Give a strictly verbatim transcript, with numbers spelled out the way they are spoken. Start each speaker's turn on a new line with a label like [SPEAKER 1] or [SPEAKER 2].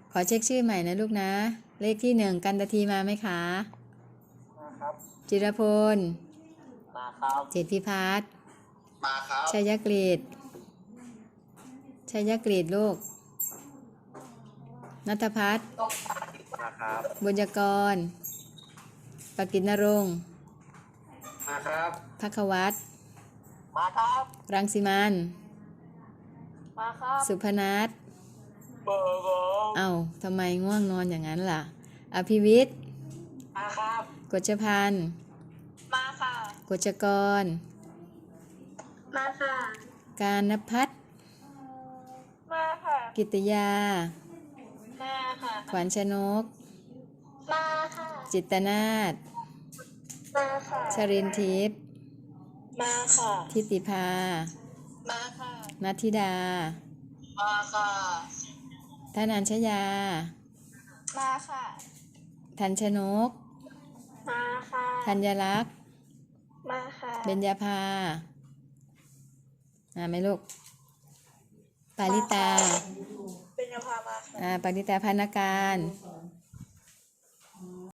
[SPEAKER 1] ขอเช็คชื่อใหม่นะลูกนะเลขที่หนึ่งกันตทีมาไหมคะ
[SPEAKER 2] มาครับ
[SPEAKER 1] จิรพล
[SPEAKER 2] มาครับ
[SPEAKER 1] เจตพิพัฒน์
[SPEAKER 2] มาครับ
[SPEAKER 1] ชัยกฤษชัยกฤษลูกณัฐพัฒน์
[SPEAKER 2] มาครับ
[SPEAKER 1] บุญยกรปกิณณรงค์
[SPEAKER 2] มาครับ
[SPEAKER 1] ภัควัตร
[SPEAKER 2] มาครับ
[SPEAKER 1] รังสิมัน
[SPEAKER 2] มาครับ
[SPEAKER 1] สุพนัท
[SPEAKER 2] เบอร์เบอร์
[SPEAKER 1] เอ้าทำไมง่วงนอนอย่างนั้นล่ะอภิวิทย์
[SPEAKER 2] มาครับ
[SPEAKER 1] กฤษพันธ์
[SPEAKER 2] มาค่ะ
[SPEAKER 1] กฤษกร
[SPEAKER 2] มาค่ะ
[SPEAKER 1] การณพัฒน์
[SPEAKER 2] มาค่ะ
[SPEAKER 1] กิตยา
[SPEAKER 2] มาค่ะ
[SPEAKER 1] ขวัญชนก
[SPEAKER 2] มาค่ะ
[SPEAKER 1] จิตนาถ
[SPEAKER 2] มาค่ะ
[SPEAKER 1] ชรินทิพย์
[SPEAKER 2] มาค่ะ
[SPEAKER 1] ทิติภา
[SPEAKER 2] มาค่ะ
[SPEAKER 1] นัทธิดา
[SPEAKER 2] มาค่ะ
[SPEAKER 1] ธนัญชยา
[SPEAKER 2] มาค่ะ
[SPEAKER 1] ทันชนก
[SPEAKER 2] มาค่ะ
[SPEAKER 1] ธัญลักษณ์
[SPEAKER 2] มาค่ะ
[SPEAKER 1] เบญญาภาอ่าไหมลูกปาริตา
[SPEAKER 2] เป็นยาพามาค่ะ
[SPEAKER 1] อ่าปาริตาพานาการ